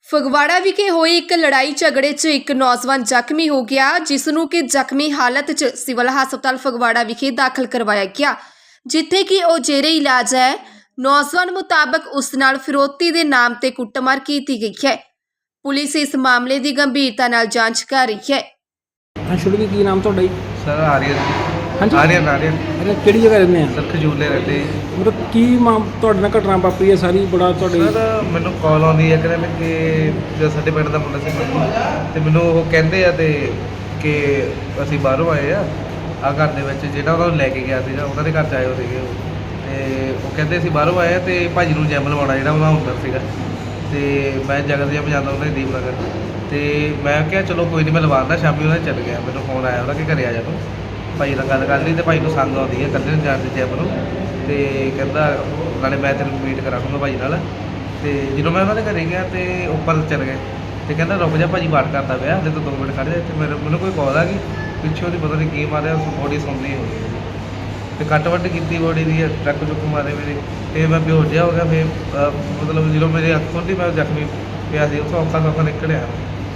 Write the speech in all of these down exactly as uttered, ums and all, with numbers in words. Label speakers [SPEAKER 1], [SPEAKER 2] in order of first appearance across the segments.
[SPEAKER 1] ਫਗਵਾੜਾ ਵਿਖੇ ਹੋਈ ਇੱਕ ਲੜਾਈ ਝਗੜੇ 'ਚ ਇੱਕ ਨੌਜਵਾਨ ਜ਼ਖਮੀ ਹੋ ਗਿਆ, ਜਿਸ ਨੂੰ ਕਿ ਜ਼ਖਮੀ ਹਾਲਤ 'ਚ ਸਿਵਲ ਹਸਪਤਾਲ ਫਗਵਾੜਾ ਵਿਖੇ ਦਾਖਲ ਕਰਵਾਇਆ ਗਿਆ, ਜਿੱਥੇ ਕਿ ਉਹ ਜੇਰੇ ਇਲਾਜ ਹੈ। ਨੌਜਵਾਨ ਮੁਤਾਬਕ ਉਸ ਨਾਲ ਫਿਰੌਤੀ ਦੇ ਨਾਮ ਤੇ ਕੁੱਟਮਾਰ ਕੀਤੀ ਗਈ ਹੈ। ਪੁਲਿਸ ਇਸ ਮਾਮਲੇ ਦੀ ਗੰਭੀਰਤਾ ਨਾਲ ਜਾਂਚ ਕਰ ਰਹੀ ਹੈ।
[SPEAKER 2] ਹਾਂ ਸ਼ੁਰੂ ਕੀ ਨਾਮ ਤੁਹਾਡਾ ਜੀ?
[SPEAKER 3] सर आर्यन
[SPEAKER 2] ਹਾਂਜੀ
[SPEAKER 3] आर्यन आर्यन
[SPEAKER 2] ਅਰੇ ਕਿਹੜੀ ਜਗ੍ਹਾ ਰਹਿੰਦੇ ਆ?
[SPEAKER 3] सर खजूले रहते
[SPEAKER 2] ਮਤਲਬ ਕੀ ਮਾਮ ਤੁਹਾਡੇ ਨਾਲ ਘਟਨਾ ਵਾਪਰੀ ਹੈ ਸਾਰੀ ਬੜਾ ਤੁਹਾਡੇ?
[SPEAKER 3] ਸਰ ਮੈਨੂੰ ਕਾਲ ਆਉਂਦੀ ਹੈ ਕਹਿੰਦੇ ਕਿ ਜੋ ਸਾਡੇ ਪਿੰਡ ਦਾ ਮੁੰਡਾ ਸੀ ਮੰਨੂ ਤੇ ਮੈਨੂੰ ਉਹ ਕਹਿੰਦੇ ਆ ਤੇ ਕਿ ਅਸੀਂ ਬਾਹਰੋਂ ਆਏ ਆ ਆ ਘਰ ਦੇ ਵਿੱਚ ਜਿਹੜਾ ਉਹਨਾਂ ਨੂੰ ਲੈ ਕੇ ਗਿਆ ਸੀਗਾ ਉਹਨਾਂ ਦੇ ਘਰ 'ਚ ਆਏ ਹੋ ਸੀਗੇ ਉਹ ਤੇ ਉਹ ਕਹਿੰਦੇ ਅਸੀਂ ਬਾਹਰੋਂ ਆਏ ਆ ਤੇ ਭਾਜੀ ਨੂੰ ਜੈਮ ਲਵਾਉਣਾ ਜਿਹੜਾ ਉਹਨਾਂ ਹੁੰਦਾ ਸੀਗਾ ਤੇ ਮੈਂ ਜਗਤ ਜਿਹਾ ਪਜਾਂਦਾ ਉਹਨਾਂ ਦੀ ਦੀਪ ਨਗਰ ਤੇ ਮੈਂ ਕਿਹਾ ਚਲੋ ਕੋਈ ਨਹੀਂ ਮੈਂ ਲਵਾਉਂਦਾ। ਸ਼ਾਮੀ ਉਹਨਾਂ ਚੱਲ ਗਿਆ, ਮੈਨੂੰ ਫੋਨ ਆਇਆ ਉਹਦਾ ਕਿ ਘਰੇ ਆ ਜਾ ਤੂੰ ਭਾਈ ਨਾਲ ਗੱਲ ਕਰ ਲਈ ਤੇ ਭਾਈ ਨੂੰ ਸੰਗ ਆਉਂਦੀ ਹੈ ਇਕੱਲੇ ਨੂੰ ਜਾਣ ਦੀ ਜੈਮ ਨੂੰ ਤੇ ਕਹਿੰਦਾ ਨਾਲੇ ਮੈਂ ਤੈਨੂੰ ਮੀਟ ਕਰਾ ਦੂੰਗਾ ਭਾਈ ਨਾਲ। ਤੇ ਜਦੋਂ ਮੈਂ ਉਹਨਾਂ ਦੇ ਘਰੇ ਗਿਆ ਤੇ ਉੱਪਰ ਚੱਲ ਗਏ ਤੇ ਕਹਿੰਦਾ ਰੁਕ ਜਾ ਭਾਜੀ ਬਾਤ ਕਰਦਾ ਪਿਆ ਹਲੇ ਤਾਂ ਦੋ ਮਿੰਟ ਖੜ੍ਹ ਜਾ। ਤੇ ਮੇਰੇ ਮੈਨੂੰ ਕੋਈ ਕਾਲ ਆ ਗਈ ਪਿੱਛੋਂ ਦੀ ਪਤਾ ਨਹੀਂ ਕੀ ਮਾਰਿਆ, ਬੋਡੀ ਸੁਣਦੀ ਹੋ ਗਈ ਤੇ ਕੱਟ ਵੱਟ ਕੀਤੀ ਬੋਡੀ ਦੀ, ਟਰੱਕ ਚੁੱਕ ਮਾਰੇ ਮੇਰੇ ਤੇ ਮੈਂ ਬੇਹੋਸ਼ ਜਿਹਾ ਹੋ ਗਿਆ। ਫਿਰ ਮਤਲਬ ਜਦੋਂ ਮੇਰੇ ਅੱਖ ਖੁੱਲ੍ਹੀ ਮੈਂ ਜ਼ਖਮੀ ਪਿਆ ਸੀ ਉੱਥੋਂ ਔਖਾ ਸੌਖਾ ਨਿਕਲਿਆ।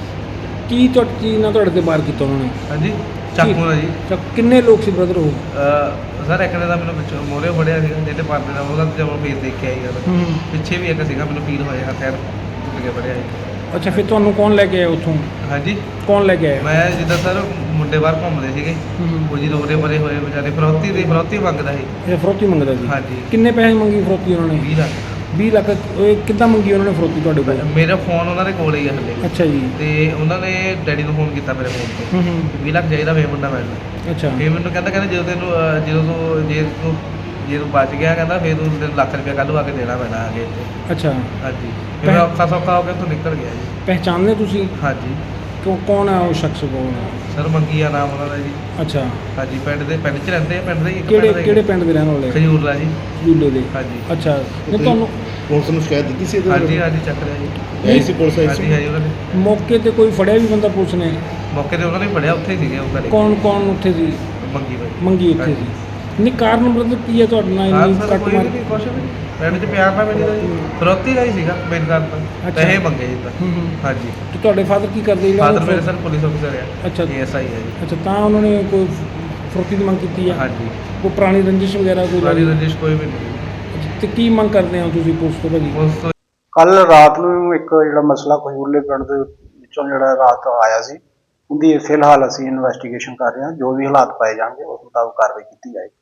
[SPEAKER 2] ਕੀ ਤੁਹਾਡੀ ਚੀਜ਼ ਨਾਲ ਤੁਹਾਡੇ ਤੇ ਵਾਰ ਕੀਤਾ ਉਹਨਾਂ ਨੇ?
[SPEAKER 3] ਹਾਂਜੀ ਚਾਕੂ ਨਾਲ ਜੀ।
[SPEAKER 2] ਤਾਂ ਕਿੰਨੇ ਲੋਕ ਸੀ ਬ੍ਰਦਰ ਉਹ?
[SPEAKER 3] ਸਰ ਇੱਕ ਨੇ ਤਾਂ ਮੈਨੂੰ ਪਿੱਛੋਂ ਮੋਹਰੇ ਫੜਿਆ ਸੀਗਾ ਜਿਹਦੇ ਪਰਦੇ ਦਾ ਉਹਦਾ ਜਦੋਂ ਫੇਸ ਦੇਖ ਕੇ ਆਈ ਗੱਲ
[SPEAKER 2] ਹੂੰ
[SPEAKER 3] ਪਿੱਛੇ ਵੀ ਇੱਕ ਸੀਗਾ ਮੈਨੂੰ ਫੀਲ ਹੋਇਆ ਹੱਥ ਟੁੱਟ ਕੇ ਫੜਿਆ ਸੀ।
[SPEAKER 2] ਅੱਛਾ ਫਿਰ ਤੁਹਾਨੂੰ ਕੌਣ ਲੈ ਕੇ ਆਇਆ ਉੱਥੋਂ?
[SPEAKER 3] ਹਾਂਜੀ
[SPEAKER 2] ਕੌਣ ਲੈ ਕੇ ਆਇਆ?
[SPEAKER 3] ਮੈਂ ਜਿੱਦਾਂ ਸਰ ਮੁੰਡੇ ਬਾਹਰ ਘੁੰਮਦੇ ਸੀਗੇ
[SPEAKER 2] ਹੂੰ
[SPEAKER 3] ਉਹ ਜੀ ਰੋਰੇ ਬਰੇ ਹੋਏ ਵਿਚਾਰੇ ਫਰੌਤੀ ਦੀ ਫਰੌਤੀ ਮੰਗਦਾ ਸੀ।
[SPEAKER 2] ਇਹ ਫਰੋਤੀ ਮੰਗਦਾ ਸੀ?
[SPEAKER 3] ਹਾਂਜੀ
[SPEAKER 2] ਕਿੰਨੇ ਪੈਸੇ ਮੰਗੀ ਫਰੋਤੀ ਉਹਨਾਂ ਨੇ?
[SPEAKER 3] ਵੀਹ ਲੱਖ
[SPEAKER 2] ਵੀਹ ਲੱਖ ਇਹ ਕਿੱਦਾਂ ਮੰਗੀ ਉਹਨਾਂ ਨੇ ਫਰੋਤੀ ਤੁਹਾਡੇ ਕੋਲ?
[SPEAKER 3] ਮੇਰਾ ਫੋਨ ਉਹਨਾਂ ਦੇ ਕੋਲ ਹੀ ਆ ਹਲੇ
[SPEAKER 2] ਅੱਛਾ ਜੀ।
[SPEAKER 3] ਤੇ ਉਹਨਾਂ ਨੇ ਡੈਡੀ ਨੂੰ ਫੋਨ ਕੀਤਾ ਮੇਰੇ ਫੋਨ ਤੋਂ
[SPEAKER 2] ਹੂੰ ਹੂੰ
[SPEAKER 3] ਵੀਹ ਲੱਖ ਚਾਹੀਦਾ ਵੇ ਮੁੰਡਾ ਮੈਨੂੰ।
[SPEAKER 2] ਅੱਛਾ
[SPEAKER 3] ਫਿਰ ਮੈਨੂੰ ਕਹਿੰਦਾ ਕਹਿੰਦਾ ਜਦੋਂ ਤੈਨੂੰ ਅਹ, ਜਦੋਂ ਤੂੰ ਜੇ ਤੂੰ ਜੇ ਤੂੰ ਬਚ ਗਿਆ ਕਹਿੰਦਾ ਫਿਰ ਤੂੰ ਤੈਨੂੰ ਲੱਖ ਰੁਪਇਆ ਕੱਲ੍ਹ ਆ ਕੇ ਦੇਣਾ ਪੈਣਾ ਆ ਕੇ ਇੱਥੇ।
[SPEAKER 2] ਅੱਛਾ
[SPEAKER 3] ਹਾਂਜੀ ਫਿਰ ਮੈਂ ਔਖਾ ਸੌਖਾ ਹੋ ਕੇ ਉੱਥੋਂ ਨਿਕਲ ਗਿਆ ਜੀ।
[SPEAKER 2] ਪਹਿਚਾਨਦੇ ਤੁਸੀਂ
[SPEAKER 3] ਹਾਂਜੀ
[SPEAKER 2] ਕਿਉਂ ਕੌਣ ਹੈ ਉਹ ਸ਼ਖਸ? ਕੌਣ ਹੈ?
[SPEAKER 3] ਸਰ ਮੰਗੀ ਆ ਨਾਮ ਉਹਨਾਂ ਦਾ ਜੀ।
[SPEAKER 2] ਅੱਛਾ
[SPEAKER 3] ਹਾਂਜੀ ਪਿੰਡ ਦੇ ਪਿੰਡ 'ਚ ਰਹਿੰਦੇ ਆ, ਪਿੰਡ ਦੇ ਹੀ ਇੱਕ
[SPEAKER 2] ਕਿਹੜੇ
[SPEAKER 3] ਪਿੰਡ ਦਾ ਹੀ
[SPEAKER 2] ਕਿਹੜੇ ਪਿੰਡ ਦੇ ਰਹਿਣ ਵਾਲੇ?
[SPEAKER 3] ਖਜੂਰਲਾ ਜੀ।
[SPEAKER 2] ਜੂਲੇ ਦੇ?
[SPEAKER 3] ਹਾਂਜੀ
[SPEAKER 2] ਅੱਛਾ ਨਹੀਂ ਤੁਹਾਨੂੰ
[SPEAKER 4] ਪੁਲਿਸ ਨੂੰ ਸ਼ਿਕਾਇਤ ਦਿੱਤੀ ਸੀ ਇਹਦੇ
[SPEAKER 3] ਹਾਂਜੀ
[SPEAKER 4] ਬਾਰੇ?
[SPEAKER 3] ਹਾਂਜੀ ਚੱਕ ਲਿਆ ਜੀ।
[SPEAKER 4] ਆਈ ਸੀ ਪੁਲਿਸ ਆਈ
[SPEAKER 3] ਹਾਂਜੀ
[SPEAKER 4] ਸੀ?
[SPEAKER 3] ਹਾਂਜੀ ਉਹਨਾਂ ਨੇ
[SPEAKER 2] ਮੌਕੇ ਤੇ ਕੋਈ ਫੜਿਆ ਵੀ ਬੰਦਾ ਪੁਲਿਸ ਨੇ?
[SPEAKER 3] ਮੌਕੇ ਤੇ ਉਹਨਾਂ ਨੇ ਫੜਿਆ, ਉੱਥੇ ਹੀ ਸੀਗੇ ਉਹ ਘਰੇ।
[SPEAKER 2] ਕੌਣ ਕੌਣ ਉੱਥੇ ਸੀ?
[SPEAKER 3] ਮੰਗੀ ਬਾਈ
[SPEAKER 2] ਮੰਗੀ ਉੱਥੇ ਸੀ? ਨਹੀਂ ਕਾਰਨ ਮਤਲਬ ਕੀ ਹੈ ਤੁਹਾਡੇ ਨਾਲ
[SPEAKER 3] ਹਾਂ
[SPEAKER 2] ਇੰਨੀ
[SPEAKER 3] ਸਰ
[SPEAKER 2] ਕੱਟ
[SPEAKER 3] ਕੋਈ
[SPEAKER 2] ਮਾਰ?
[SPEAKER 3] ਨਹੀਂ ਕੁਛ ਵੀ ਪਿੰਡ 'ਚ ਪਿਆਰ ਨਾਲ ਮਿਲੀ ਦਾ ਜੀ। ਫਰੋਤੀ ਦਾ ਹੀ ਸੀਗਾ ਮੇਨ ਕਾਰਨ ਤਾਂ
[SPEAKER 2] ਅੱਛਾ।
[SPEAKER 3] ਪੈਸੇ ਮੰਗੇ ਜੀ ਤਾਂ।
[SPEAKER 2] ਹੂੰ ਹੂੰ
[SPEAKER 3] ਹਾਂਜੀ
[SPEAKER 2] ਤੇ ਤੁਹਾਡੇ ਫਾਦਰ ਕੀ ਕਰਦੇ? ਇਹਨਾਂ
[SPEAKER 3] ਫਾਦਰ
[SPEAKER 2] ਨੂੰ
[SPEAKER 3] ਮੇਰੇ ਸਰ ਪੁਲਿਸ ਅਫਸਰ ਆ।
[SPEAKER 2] ਅੱਛਾ
[SPEAKER 3] ਏ ਐਸ ਆਈ ਹੈ ਜੀ।
[SPEAKER 2] ਅੱਛਾ ਤਾਂ ਉਹਨਾਂ ਨੇ ਕੋਈ ਫਰੋਤੀ ਦੀ ਮੰਗ ਕੀਤੀ ਹੈ?
[SPEAKER 3] ਹਾਂਜੀ
[SPEAKER 2] ਕੋਈ ਪੁਰਾਣੀ ਰੰਜਿਸ਼ ਵਗੈਰਾ ਕੋਈ
[SPEAKER 3] ਪੁਰਾਣੀ
[SPEAKER 2] ਲੱਗੀ?
[SPEAKER 3] ਰੰਜਿਸ਼ ਕੋਈ ਵੀ ਨਹੀਂ।
[SPEAKER 2] ਅੱਛਾ, ਤੇ ਕੀ ਮੰਗ ਕਰਦੇ ਹੋ ਤੁਸੀਂ ਪੁਲਿਸ ਤੋਂ ਭਾਜੀ?
[SPEAKER 3] ਉਸ ਤੋਂ
[SPEAKER 5] ਕੱਲ ਰਾਤ ਨੂੰ ਇੱਕ ਜਿਹੜਾ ਮਸਲਾ ਖਜੂਰਲੇ ਪਿੰਡ ਦੇ ਵਿੱਚੋਂ ਜਿਹੜਾ ਰਾਤ ਆਇਆ ਸੀ, ਉਹਦੀ ਫਿਲਹਾਲ ਅਸੀਂ ਇਨਵੈਸਟੀਗੇਸ਼ਨ ਕਰ ਰਹੇ ਹਾਂ। ਜੋ ਵੀ ਹਾਲਾਤ ਪਾਏ ਜਾਣਗੇ ਉਸ ਮੁਤਾਬਕ ਕਾਰਵਾਈ ਕੀਤੀ ਜਾਏਗੀ।